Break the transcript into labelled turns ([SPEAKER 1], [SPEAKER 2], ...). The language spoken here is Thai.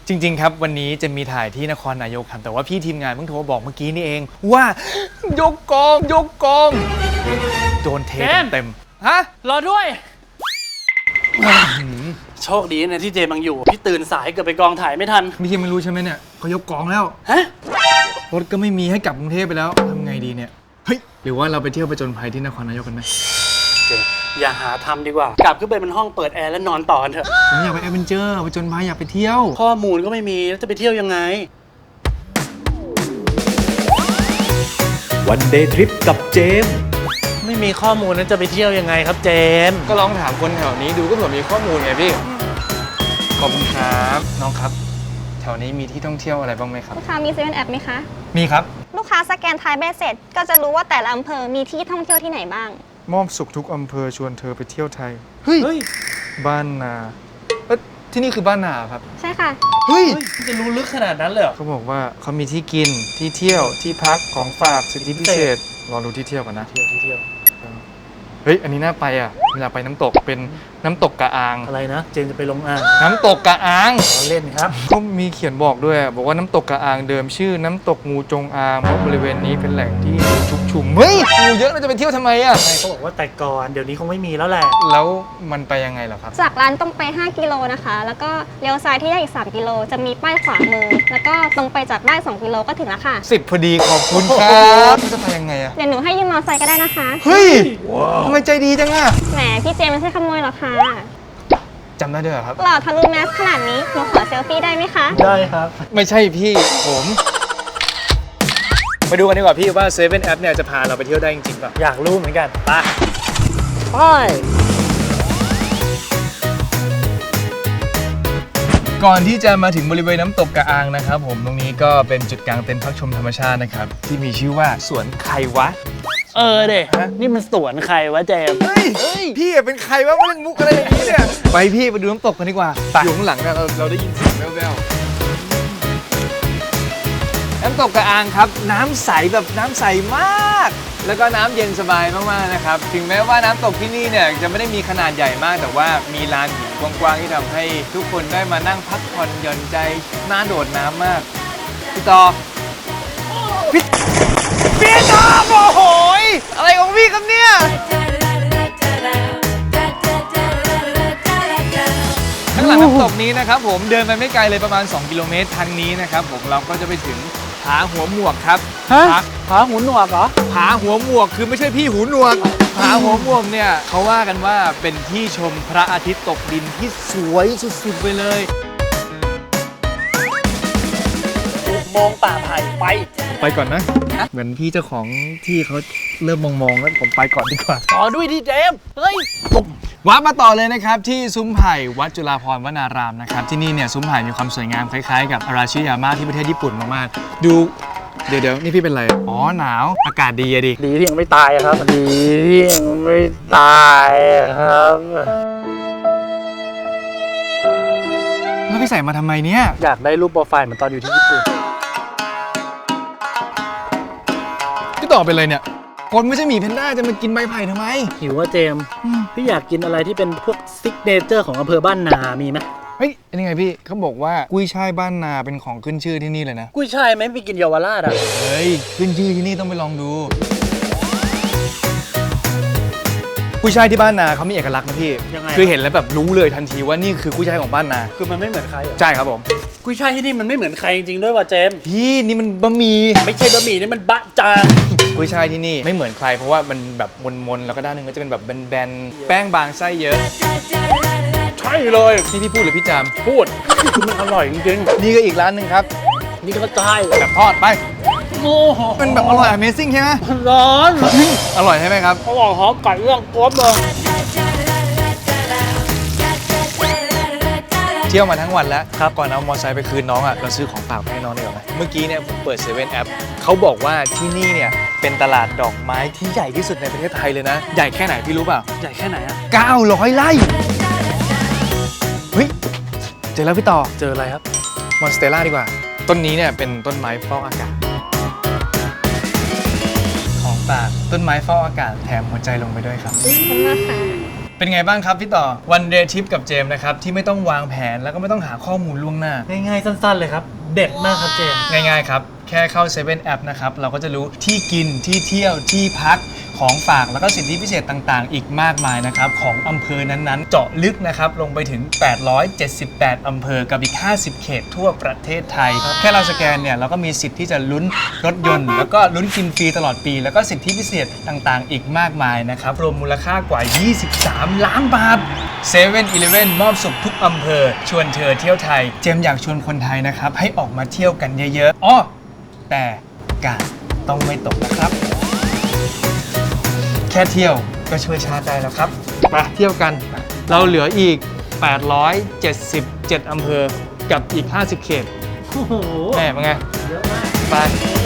[SPEAKER 1] จริงๆครับวันนี้จะมีถ่ายที่นครนายกครับแต่ว่าพี่ทีมงานเพิ่งโทรบอกเมื่อกี้นี่เองว่ายกกองโดนเทเต็มฮะ
[SPEAKER 2] รอด้วย โชคดีนะที่เจมังอยู่ พี่ตื่นสายเกือบไปกองถ่ายไม่ทัน
[SPEAKER 1] พี่ยังไม่รู้ใช่ไหมเนี่ยเขายกกองแล้ว
[SPEAKER 2] ฮะ
[SPEAKER 1] รถก็ไม่มีให้กลับกรุงเทพไปแล้วทำไงดีเนี่ยเฮ้ยหรือว่าเราไปเที่ยวผจญภัยที่นครนายกกันไหม
[SPEAKER 2] เจอย่าหาทำดีกว่า กลับขึ้นไปเป็นห้องเปิดแอร์แล้วนอนต่อกันเถอะ
[SPEAKER 1] ผมอยากไปแอดเวนเจอร์ผจญภัยอยากไปเที่ยว
[SPEAKER 2] ข้อมูลก็ไม่มีแล้วจะไปเที่ยวยังไง
[SPEAKER 3] วันเดย์ทริปกับเจมส์
[SPEAKER 2] ไม่มีข้อมูลแล้วจะไปเที่ยวยังไงครับเจมส์
[SPEAKER 1] ก็ลองถามคนแถวนี้ดูก็เผื่อมีข้อมูลไงพี่ขอบคุณครับน้องครับแถวนี้มีที่ท่องเที่ยวอะไรบ้างไหมครับ
[SPEAKER 4] ลูกค้ามีเซเว่นแอปไหมคะ
[SPEAKER 1] มีครับ
[SPEAKER 4] ลูกค้าสแกนไทยใบเสร็จ ก็จะรู้ว่าแต่ละอำเภอมีที่ท่องเที่ยวที่ไหนบ้าง
[SPEAKER 1] มอบสุขทุกอำเภอชวนเธอไปเที่ยวไทย
[SPEAKER 2] เฮ้ย
[SPEAKER 1] บ้านนาที่นี่คือบ้านนาครับ
[SPEAKER 4] ใช่ค่ะ
[SPEAKER 1] เฮ้ย
[SPEAKER 2] จะรู้ลึกขนาดนั้นเลยเหรอ
[SPEAKER 1] เขาบอกว่าเขามีที่กินที่เที่ยวที่พักของฝากสิทธิพิเศษรอดูที่เที่ยวกันนะ
[SPEAKER 2] เที่ยว
[SPEAKER 1] เฮ้ยอันนี้น่าไปอ่ะอยากไปน้ำตกเป็นน้ำตกกะอาง
[SPEAKER 2] อะไรนะ เจมส์จะไปลงอ่าง
[SPEAKER 1] น้ำตกกะอาง
[SPEAKER 2] เราเล่นครับ
[SPEAKER 1] เขามีเขียนบอกด้วยบอกว่าน้ำตกกะอางเดิมชื่อน้ำตกงูจงอางเพราะบริเวณนี้เป็นแหล่งที่งูชุกชุมเฮ้ยงูเยอะเราจะไปเที่ยวทำไมอ่ะ
[SPEAKER 2] ใช่เขาบอกว่าแต่ก่อนเดี๋ยวนี้คงไม่มีแล้วแหละ
[SPEAKER 1] แล้วมันไปยังไงเหรอครับ
[SPEAKER 4] จากร้านตรงไป 5 กิโลนะคะ แล้วก็เลี้ยวซ้ายที่ได้อีก 3 กิโล จะมีป้ายขวามือ แล้วก็ตรงไปจากได้ 2 กิโลก็ถึงแล้วค่ะ
[SPEAKER 1] 10 พอดีขอบคุณครับจะไปยังไงอ่ะ
[SPEAKER 4] เดี๋ยวหนูให้ยืมมอเตอร์ไซค์ก็ได้นะคะ
[SPEAKER 1] เฮ้ยทำไมใจดีจังอ่ะ
[SPEAKER 4] แหมพี่เจมส์ไม่ใช่ขโมยหรอกค่ะ
[SPEAKER 1] จำได้ด้วยเหรอครับ
[SPEAKER 4] หล่อทะลุแมสขนาดนี้ หนูขอเซลฟี่ได้ไหมคะ
[SPEAKER 2] ได้ครับ
[SPEAKER 1] ไม่ใช่พี่ผมไปดูกันดีกว่าพี่ว่า7 App เนี่ยจะพาเราไปเที่ยวได้จริงๆป่ะ
[SPEAKER 2] อยากรู้เหมือนกันไปไป
[SPEAKER 1] ก่อนที่จะมาถึงบริเวณน้ำตกกะอางนะครับผมตรงนี้ก็เป็นจุดกลางเต็นท์พักชมธรรมชาตินะครับที่มีชื่อว่าสวนไควะ
[SPEAKER 2] เด็นี่มันสวนใครวะเจมส์
[SPEAKER 1] เฮ้ยพี่เป็นใครวะมาเล่นมุกอะไรอย่างนี้เนี่ยไปพี่ไปดูน้ำตกกันดีกว่าอยู่ข้างหลังเนี่ยเราได้ยินเสียงแว่วๆน้ำตกกะอางครับน้ำใสแบบน้ำใสมาก แล้วก็น้ำเย็นสบายมากๆนะครับถึงแม้ว่าน้ำตกที่นี่เนี่ยจะไม่ได้มีขนาดใหญ่มาก แต่ว่ามีลานหินกว้างๆที่ทำให้ทุกคนได้มานั่งพักผ่อนหย่อนใจน่าโดดน้ำมากพี่ต่อพี่ต่อโอ้โหยอะไรของพี่ครับเนี่ยข้างหลังน้ำตกนี้นะครับผมเดินไปไม่ไกลเลยประมาณ2 กิโลเมตรทางนี้นะครับผมเราก็จะไปถึงผาหัวหมวกครับ
[SPEAKER 2] ผาหูหนวกเหรอ
[SPEAKER 1] ผาหัวหมวกคือไม่ใช่พี่หูหนวกผาหัวหมวกเนี่ยเขาว่ากันว่าเป็นที่ชมพระอาทิตย์ตกดินที่สวยสุดๆไปเลย
[SPEAKER 2] มองป่าไผ่ไป
[SPEAKER 1] ไปก่อนนะเหมือนพี่เจ้าของที่เขาเริ่มมองๆแล้วผมไปก่อนดีกว่า
[SPEAKER 2] ต่อด้วยดิเจมส์เฮ้ย
[SPEAKER 1] วัดมาต่อเลยนะครับที่ซุ้มไผ่วัดจุฬาภรณ์วนารามนะครับที่นี่เนี่ยซุ้มไผ่มีความสวยงามคล้ายๆกับอาราชิยาม่าที่ประเทศญี่ปุ่นมากๆดูเดี๋ยวนี่พี่เป็นไรอ๋อหนาวอากาศดีอะดิ
[SPEAKER 2] ดีที่ยังไม่ตายครับ ดีที่ยังไม่ตายครับ
[SPEAKER 1] แล้วพี่ใส่มาทำไมเนี่ย
[SPEAKER 2] อยากได้รูปโปรไฟล์เหมือนตอนอยู่ที่ญี่ปุ่น
[SPEAKER 1] พี่ต่อเป็นไรเนี่ยคนไม่ใช่หมีแพนด้าจะมากินใบไผ่ทำไม
[SPEAKER 2] หิวว่าเจมส์พี่อยากกินอะไรที่เป็นพวกซิกเนเจอร์ของอำเภอบ้านนามีไหม
[SPEAKER 1] เฮ้ยเป็นยังไงพี่เขาบอกว่ากุ้ยช่ายบ้านนาเป็นของขึ้นชื่อที่นี่เลยนะ
[SPEAKER 2] กุ้ยช่ายไหมไปกินเยาวราชอ่ะ
[SPEAKER 1] เฮ้ยขึ้นชื่อที่นี่ต้องไปลองดูกุ้ยช่ายที่บ้านนาเขามีเอกลักษณ์นะพี่
[SPEAKER 2] ยังไง
[SPEAKER 1] คือเห็นแล้วแบบรู้เลยทันทีว่านี่คือกุ้ยช่ายของบ้านนา
[SPEAKER 2] คือมันไม่เหมือนใครอ่ะ
[SPEAKER 1] ใช่ครับผม
[SPEAKER 2] กุ้ยช่ายที่นี่มันไม่เหมือนใครจริงๆด้วยว่ะเจมส์
[SPEAKER 1] พี่นี่มันบะหมี่
[SPEAKER 2] ไม่ใช่บะหมี่นี่มันบะจาง
[SPEAKER 1] กุ้ยช่ายที่นี่ไม่เหมือนใครเพราะว่ามันแบบมนๆแล้วก็ด้านหนึงก็จะเป็นแบบแบนๆแป้งบางไส้เยอะ
[SPEAKER 2] ใช่เลย
[SPEAKER 1] นี่พี่พูดหรือพี่จาม
[SPEAKER 2] พูดมันอร่อยจริง
[SPEAKER 1] นี่ก็อีกร้านหนึ่งครับ
[SPEAKER 2] ๆนี่ก็ใช่
[SPEAKER 1] แบบทอดไป
[SPEAKER 2] โอ้โห
[SPEAKER 1] มันแบบอร่อย Amazing ใช่ไหม
[SPEAKER 2] ร้อน
[SPEAKER 1] อร่อยใช่ไหมครับ
[SPEAKER 2] เขาบอกหอมไก่เรื่องกรอบเลย
[SPEAKER 1] เที่ยวมาทั้งวันแล้วครับก่อนเอามอเตอร์ไซค์ไปคืนน้องอ่ะเราซื้อของฝากไปให้น้องดีกว่าไหมเมื่อกี้เนี่ยผมเปิด7 App เขาบอกว่าที่นี่เนี่ยเป็นตลาดดอกไม้ที่ใหญ่ที่สุดในประเทศไทยเลยนะ ใหญ่แค่ไหนพี่รู้เปล่า
[SPEAKER 2] ใหญ่แค่ไหนอ่ะ
[SPEAKER 1] 900 ไร่เฮ้ยเจอแล้วพี่ต่อ
[SPEAKER 2] เจออะไรครับ
[SPEAKER 1] มอนสเตล่าดีกว่า ต้นนี้เนี่ยเป็นต้นไม้ฟอกอากาศของฝากต้นไม้ฟอกอากาศแถมหัวใจลงไปด้วยครับ
[SPEAKER 4] ขอบคุณมากค่ะ
[SPEAKER 1] เป็นไงบ้างครับพี่ต่อวันเดย์ทริปกับเจมส์นะครับที่ไม่ต้องวางแผนแล้วก็ไม่ต้องหาข้อมูลล่วงหน้า
[SPEAKER 2] ง่ายๆสั้นๆเลยครับ เด็ดมากครับเจมส์
[SPEAKER 1] ง่ายๆครับแค่เข้า7 App นะครับเราก็จะรู้ที่กินที่เที่ยวที่พักของฝากแล้วก็สิทธิพิเศษต่างๆ อีกมากมายนะครับของอำเภอนั้นๆเจาะลึกนะครับลงไปถึง878อำเภอกับอีก50เขตทั่วประเทศไทยแค่เราสแกนเนี่ยเราก็มีสิทธิ์ที่จะลุ้นรถยนต์แล้วก็ลุ้นกินฟรีตลอดปีแล้วก็สิทธิพิเศษต่างๆ อีกมากมายนะครับรวมมูลค่ากว่า 23 ล้านบาท7-Eleven มอบสุขทุกอำเภอชวนเธอเที่ยวไทยเจมส์อยากชวนคนไทยนะครับให้ออกมาเที่ยวกันเยอะๆอ้อแต่กาดต้องไม่ตกนะครับ แค่เที่ยวก็ช่วยชาติได้แล้วครับมาเที่ยวกัน เราเหลืออีก 877 อำเภอกับอีก 50 เขต
[SPEAKER 2] โอ้โห
[SPEAKER 1] แหมเป็นไง
[SPEAKER 2] เยอะมาก
[SPEAKER 1] ไป